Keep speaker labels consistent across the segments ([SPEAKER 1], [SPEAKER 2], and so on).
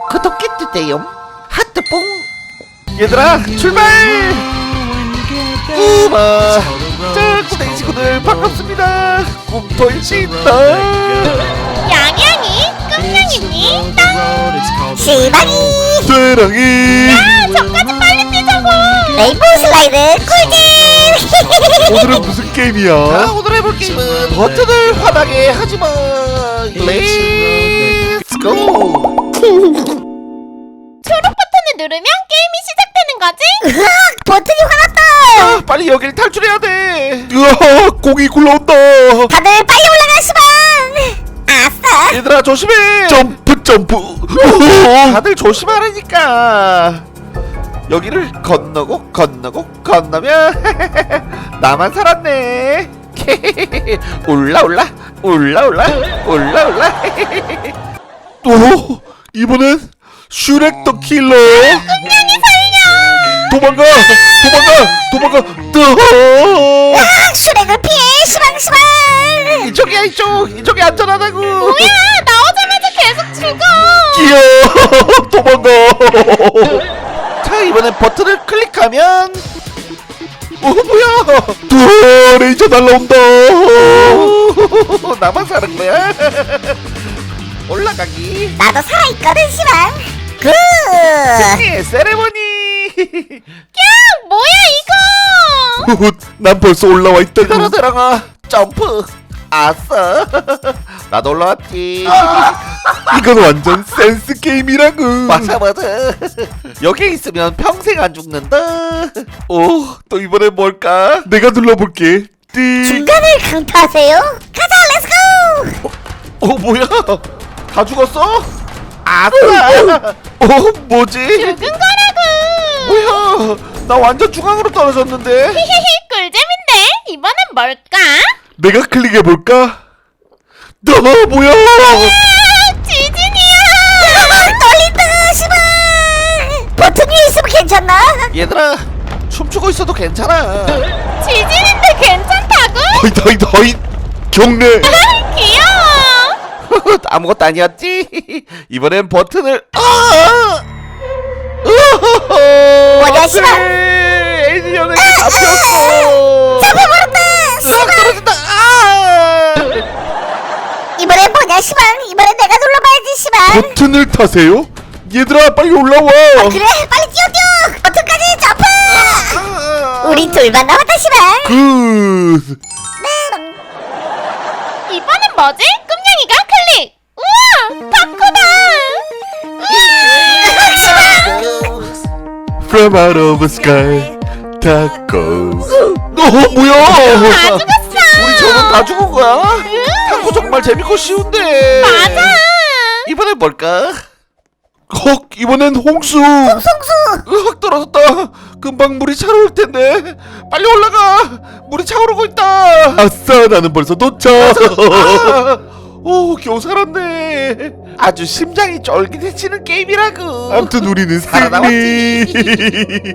[SPEAKER 1] 구독해주세요. 하트뽕. 얘들아 출발. 우마. 자 고댕이 친구들 반갑습니다. 꿈토일 수 있다.
[SPEAKER 2] 양양이, 끔냥이니, 땅!
[SPEAKER 3] 시바니
[SPEAKER 4] 쇠랑이.
[SPEAKER 2] 저까지 빨리 뛰자고!
[SPEAKER 3] 레인보우 슬라이드 꿀잼.
[SPEAKER 4] 오늘은 무슨 게임이야?
[SPEAKER 1] 자 오늘 해볼 게임은 버튼을 화나게 하지마. 렛츠고.
[SPEAKER 2] 초록 버튼을 누르면 게임이 시작되는 거지?
[SPEAKER 3] 버튼이 화났다.
[SPEAKER 1] 아, 빨리 여길 탈출해야 돼.
[SPEAKER 4] 으아, 공이 굴러온다.
[SPEAKER 3] 다들 빨리 올라가 시방. 아싸.
[SPEAKER 1] 얘들아 조심해.
[SPEAKER 4] 점프 점프.
[SPEAKER 1] 다들 조심하라니까. 여기를 건너면 나만 살았네. 올라.
[SPEAKER 4] 오, 이번엔 슈렉 더 킬러.
[SPEAKER 2] 끔냥이 살려!
[SPEAKER 4] 도망가.
[SPEAKER 3] 아, 슈렉을 피해 시방.
[SPEAKER 1] 이쪽이야 이쪽이 안전하다고.
[SPEAKER 2] 뭐야, 나오자마자 계속 죽어!
[SPEAKER 4] 끼어. 도망가.
[SPEAKER 1] 자 이번엔 버튼을 클릭하면 뭐야.
[SPEAKER 4] 레이저 날라온다.
[SPEAKER 1] 나만 사는 거야. 올라가기.
[SPEAKER 3] 나도 살아있거든 시방. 굿.
[SPEAKER 1] 승리의 세레머니.
[SPEAKER 2] 야, 뭐야 이거!
[SPEAKER 4] 난 벌써 올라와 있다고.
[SPEAKER 1] 들어가 점프. 아싸. 나도 올라왔지.
[SPEAKER 4] 이건 완전 센스 게임이라고.
[SPEAKER 1] 맞아. 여기 있으면 평생 안 죽는다.
[SPEAKER 4] 오, 또 이번엔 뭘까? 내가 눌러볼게. 띵.
[SPEAKER 3] 중간을 강타하세요. 가자 렛츠고.
[SPEAKER 1] 뭐야? 다 죽었어? 아싸. 뭐지?
[SPEAKER 2] 죽은 거라고!
[SPEAKER 1] 뭐야? 나 완전 중앙으로 떨어졌는데.
[SPEAKER 2] 히히히, 꿀잼인데? 이번엔 뭘까?
[SPEAKER 4] 내가 클릭해볼까? 너 뭐야?
[SPEAKER 2] 아, 지진이야!
[SPEAKER 3] 떨린다 시방. 버튼 위에 있으면 괜찮나?
[SPEAKER 1] 얘들아 춤추고 있어도 괜찮아.
[SPEAKER 2] 지진인데 괜찮다고?
[SPEAKER 4] 허이 경례.
[SPEAKER 2] 귀여워!
[SPEAKER 1] 아무것도 아니었지? 이번엔 버튼을
[SPEAKER 3] 뭐냐, 씨발?
[SPEAKER 1] 에이리언에게 잡혔어.
[SPEAKER 3] 잡혀버렸다
[SPEAKER 1] 싹 떨어진다.
[SPEAKER 3] 이번엔 뭐냐 시방. 이번엔 내가 눌러봐야지 시방.
[SPEAKER 4] 버튼을 타세요? 얘들아 빨리 올라와.
[SPEAKER 3] 그래 빨리 뛰어 버튼까지 점프. 우리 둘만 남았다 시방.
[SPEAKER 4] 굿.
[SPEAKER 2] 이번엔 뭐지? 끔냥이가 클릭! 우와! 바꾸다!
[SPEAKER 4] From out of the sky, taco. 뭐야?
[SPEAKER 2] 다 죽었어!
[SPEAKER 1] 우리 저는 다 죽은 거야? 탁구 정말 재밌고 쉬운데.
[SPEAKER 2] 맞아!
[SPEAKER 1] 이번엔 뭘까?
[SPEAKER 4] 헉, 이번엔 홍수.
[SPEAKER 1] 확 떨어졌다. 금방 물이 차오를 텐데. 빨리 올라가. 물이 차오르고 있다.
[SPEAKER 4] 아싸, 나는 벌써 도착.
[SPEAKER 1] 오, 겨우 살았네. 아주 심장이 쫄깃해지는 게임이라고.
[SPEAKER 4] 아무튼 우리는
[SPEAKER 1] 살아남았지.
[SPEAKER 4] 승리.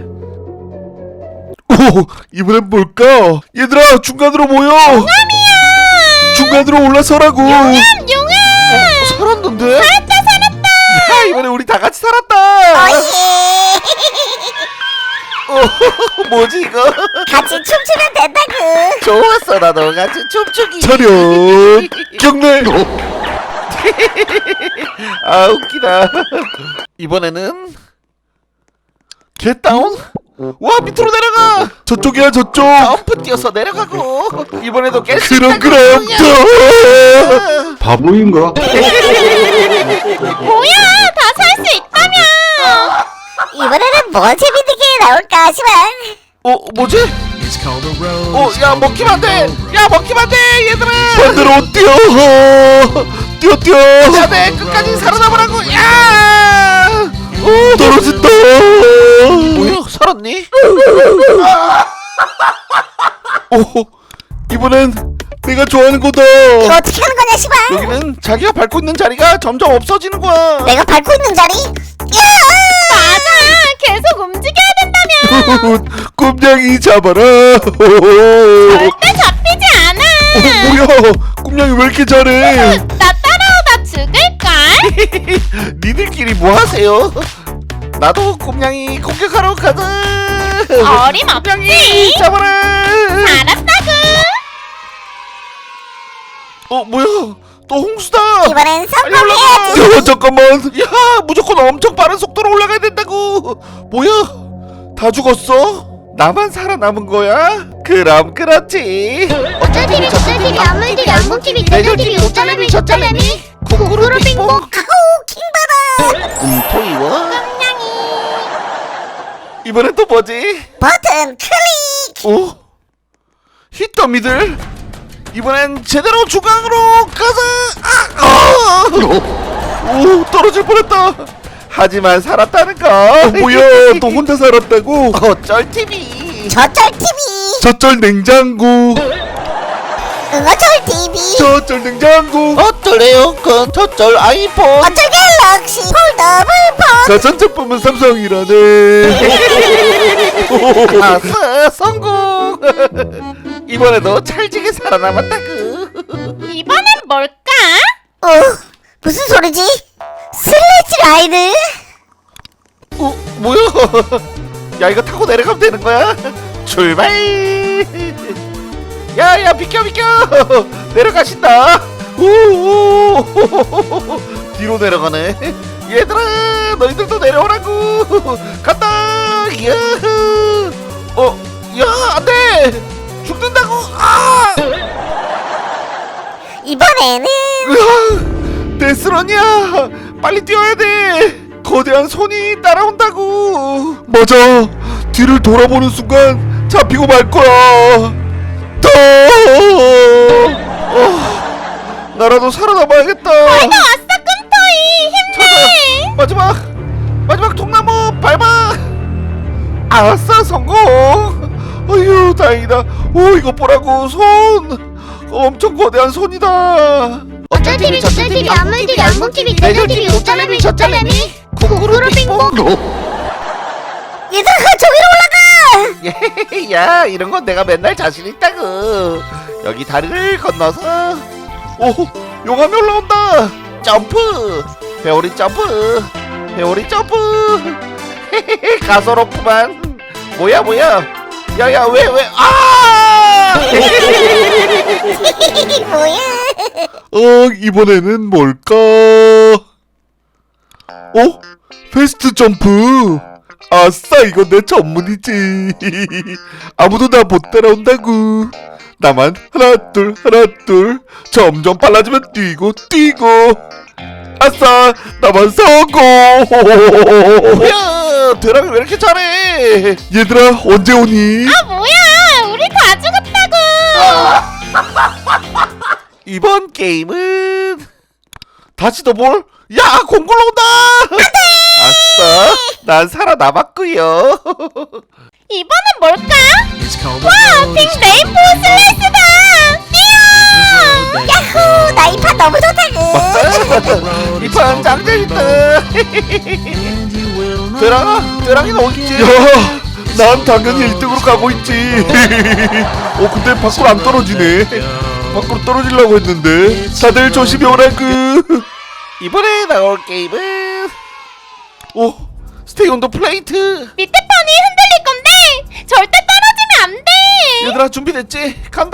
[SPEAKER 4] 오, 이번엔 뭘까? 얘들아, 중간으로 모여. 중간으로 올라서라고.
[SPEAKER 2] 용암!
[SPEAKER 1] 살았는데?
[SPEAKER 2] 살았다!
[SPEAKER 1] 야, 이번에 우리 다 같이 살았다. 뭐지 이거?
[SPEAKER 3] 같이 춤추면 된다구.
[SPEAKER 1] 좋았어, 나도 같이 춤추기.
[SPEAKER 4] 차렷. 경례.
[SPEAKER 1] 아, 웃기다. 이번에는 겟다운? 와, 밑으로 내려가.
[SPEAKER 4] 저쪽이야, 저쪽.
[SPEAKER 1] 점프 뛰어서 내려가고. 이번에도 깰 수 있다.
[SPEAKER 4] 그럼.
[SPEAKER 5] 바보인가?
[SPEAKER 2] 뭐야! 다 살 수 있다며!
[SPEAKER 3] 이번에는 뭐 재밌는 게 나올까 시방.
[SPEAKER 1] 뭐지? 야, 먹히면 안 돼. 야, 먹히면 안 돼, 얘들아.
[SPEAKER 4] 반대로 뛰어.
[SPEAKER 1] 야, 내 끝까지 살아남으라고. 야!
[SPEAKER 4] 떨어진다.
[SPEAKER 1] 뭐야, 살았니?
[SPEAKER 4] 오, 이번엔 내가 좋아하는 거다.
[SPEAKER 3] 이거 어떻게 하는 거냐 시방.
[SPEAKER 1] 여기는 자기가 밟고 있는 자리가 점점 없어지는 거야.
[SPEAKER 3] 내가 밟고 있는 자리.
[SPEAKER 2] 맞아! 계속 움직여야 된다며!
[SPEAKER 4] 꿈냥이 잡아라.
[SPEAKER 2] 절대 잡히지 않아!
[SPEAKER 4] 뭐야? 꿈냥이 왜 이렇게 잘해?
[SPEAKER 2] 나 따라오다 죽을걸?
[SPEAKER 1] 니들끼리 뭐 하세요? 나도 곰냥이 공격하러 가자.
[SPEAKER 2] 어림없지.
[SPEAKER 1] 잡아라.
[SPEAKER 2] 알았다구.
[SPEAKER 1] 뭐야? 또 홍수다.
[SPEAKER 3] 이번엔
[SPEAKER 1] 빨리 올라가.
[SPEAKER 3] 성공해야지.
[SPEAKER 1] 잠깐만. 야, 무조건 엄청 빠른 속도로 올라가야 된다고. 뭐야? 다 죽었어? 나만 살아남은 거야? 그럼 그렇지.
[SPEAKER 2] 어쩔TV 저쩔TV 안물TV 안목TV 내절TV 오쩔레미 저쩔레미 구구루 빙봉.
[SPEAKER 3] 아우 킹받아.
[SPEAKER 1] 토이워.
[SPEAKER 2] 깜냥이.
[SPEAKER 1] 이번엔 또 뭐지?
[SPEAKER 3] 버튼 클릭.
[SPEAKER 1] 오? 히터미들. 이번엔 제대로 중앙으로 가자. 오, 떨어질 뻔했다. 하지만 살았다는 거.
[SPEAKER 4] 뭐야 또 혼자 살았다고?
[SPEAKER 1] 어쩔 TV.
[SPEAKER 3] 저쩔 TV.
[SPEAKER 4] 저쩔 냉장고
[SPEAKER 3] 어쩔 TV.
[SPEAKER 4] 저쩔 냉장고
[SPEAKER 1] 어쩔 에어컨, 저쩔 아이폰.
[SPEAKER 3] 어쩔 갤럭시 폴더블 폰.
[SPEAKER 4] 가전제품은 삼성이라네.
[SPEAKER 1] 아싸, 성공. 이번에도 찰지게 살아남았다구.
[SPEAKER 2] 이번엔 뭘까?
[SPEAKER 3] 무슨 소리지? 슬래지 라이드?
[SPEAKER 1] 뭐야? 야, 이거 타고 내려가면 되는 거야? 출발. 야야, 비켜 내려가신다. 오. 뒤로 내려가네. 얘들아, 너희들도 내려오라고. 간다. 야. 야, 안돼. 죽는다고. 아.
[SPEAKER 3] 이번에는
[SPEAKER 1] 데스런이야. 빨리 뛰어야 돼. 거대한 손이 따라온다고.
[SPEAKER 4] 맞아 뒤를 돌아보는 순간 잡히고 말 거야.
[SPEAKER 1] 나라도 살아남아야겠다.
[SPEAKER 2] 아싸 꿈토이 힘내.
[SPEAKER 1] 마지막 통나무 밟아. 아싸, 성공. 어휴, 다행이다. 오, 이거 보라고. 손 엄청 거대한 손이다.
[SPEAKER 2] 어쩔TV 저쩔TV 안물TV 안목TV 내절TV 오쩔레미 저쩔레미 구구루 빙봉.
[SPEAKER 3] 얘들아 저기로 올라가.
[SPEAKER 1] 야, 이런 건 내가 맨날 자신 있다고. 여기 다리를 건너서. 오, 용암이 올라온다. 점프. 회오리 점프. 가소롭구만. 뭐야. 야야, 왜 아!
[SPEAKER 3] 뭐야?
[SPEAKER 4] 이번에는 뭘까? 패스트 점프. 아싸 이건 내 전문이지. 아무도 나 못 따라온다고. 나만 하나 둘 점점 빨라지면 뛰고 아싸 나만 성공.
[SPEAKER 1] 뭐야, 드랑이 왜 이렇게 잘해?
[SPEAKER 4] 얘들아 언제 오니?
[SPEAKER 2] 뭐야 우리 다 죽었다고.
[SPEAKER 1] 이번 게임은 다시 더볼. 야, 공굴 온다. 아싸, 난 살아남았구요.
[SPEAKER 2] 이번엔 뭘까? 와 핑 레인보우 슬라이스다. 뛰어.
[SPEAKER 3] 야호 나 이 판 너무 좋다구.
[SPEAKER 1] 이 판 짱재밌다. 드랑이는 어딨지?
[SPEAKER 4] 야, 난 당연히 1등으로 가고 있지. 근데 밖으로 안 떨어지네. 밖으로 떨어지려고 했는데. 다들 조심히 오라구.
[SPEAKER 1] 이번에 나올 게임은 스테이 온 더 플레이트.
[SPEAKER 2] 밑에 판이 흔들릴 건데 절대 떨어지면 안 돼.
[SPEAKER 1] 얘들아, 준비됐지? 간다.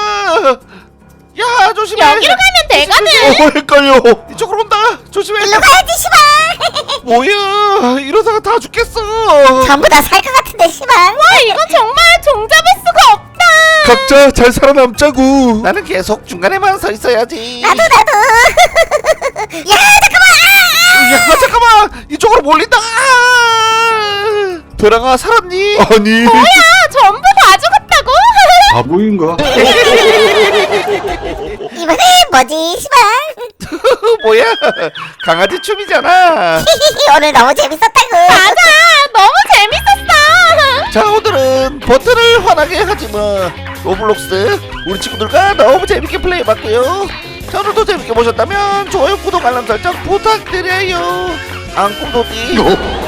[SPEAKER 1] 야, 조심해.
[SPEAKER 2] 여기로 가면 되거든.
[SPEAKER 4] 헷갈려.
[SPEAKER 1] 이쪽으로 온다. 조심해.
[SPEAKER 3] 일로 가야지 시발.
[SPEAKER 1] 뭐야, 이러다가 다 죽겠어.
[SPEAKER 3] 전부 다 살 것 같은데 시발.
[SPEAKER 2] 와 이건 정말 종잡을 수가 없다.
[SPEAKER 4] 각자 잘 살아남자구.
[SPEAKER 1] 나는 계속 중간에만 서 있어야지.
[SPEAKER 3] 나도. 야
[SPEAKER 1] 야, 잠깐만. 이쪽으로 몰린다. 드랑아, 살았니?
[SPEAKER 4] 아니
[SPEAKER 2] 뭐야 전부 다 죽었다고?
[SPEAKER 4] 바보인가?
[SPEAKER 3] 이번엔 뭐지 시발.
[SPEAKER 1] 뭐야, 강아지 춤이잖아.
[SPEAKER 3] 오늘 너무 재밌었다구.
[SPEAKER 2] 맞아 너무 재밌었어.
[SPEAKER 1] 자, 오늘은 버튼을 환하게 하지 뭐. 로블록스 우리 친구들과 너무 재밌게 플레이해봤고요. 자, 오늘도 재밌게 보셨다면 좋아요, 구독, 알람 설정 부탁드려요. 앙꿈도띠.